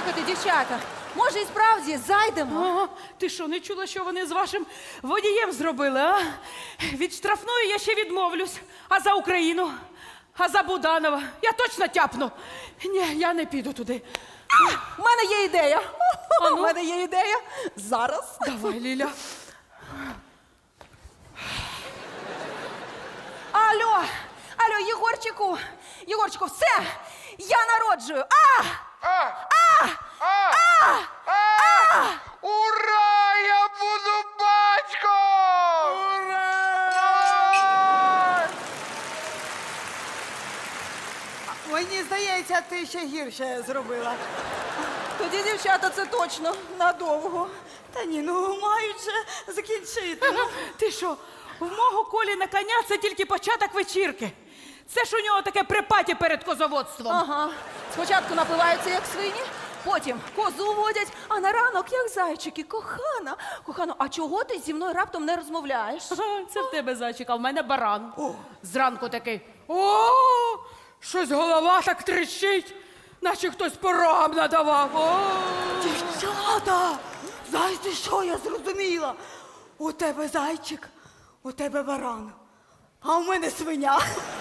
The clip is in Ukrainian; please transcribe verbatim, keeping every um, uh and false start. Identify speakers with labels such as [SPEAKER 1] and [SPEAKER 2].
[SPEAKER 1] Слухайте, дівчата, може і справді зайдемо?
[SPEAKER 2] Ага. Ти що, не чула, що вони з вашим водієм зробили, а? Від штрафної я ще відмовлюсь. А за Україну? А за Буданова? Я точно тяпну. Ні, я не піду туди.
[SPEAKER 1] У мене є ідея.
[SPEAKER 2] А ну?
[SPEAKER 1] У мене є ідея. Зараз.
[SPEAKER 2] Давай, Ліля.
[SPEAKER 1] Алло, алло, Єгорчику, Єгорчику, все, я народжую. А!
[SPEAKER 3] А! А! А! А! Ура! Я буду батьком! Ура!
[SPEAKER 4] Мені здається, ти ще гірше зробила.
[SPEAKER 1] Тоді, дівчата, це точно надовго.
[SPEAKER 4] Та ні, ну мають же закінчити. Ну.
[SPEAKER 2] Ти що, в мого Колі на коня це тільки початок вечірки. Це ж у нього таке припаті перед козоводством.
[SPEAKER 1] Ага. Спочатку напиваються, як свині, потім козу водять, а на ранок, як зайчики. Кохана, кохано, а чого ти зі мною раптом не розмовляєш?
[SPEAKER 2] Ага, це в тебе зайчик, а в мене баран. Зранку такий. О, щось голова так трещить, наче хтось порогам надавав. О.
[SPEAKER 4] Дівчата, знаєте, що я зрозуміла? У тебе зайчик, у тебе баран, а у мене свиня.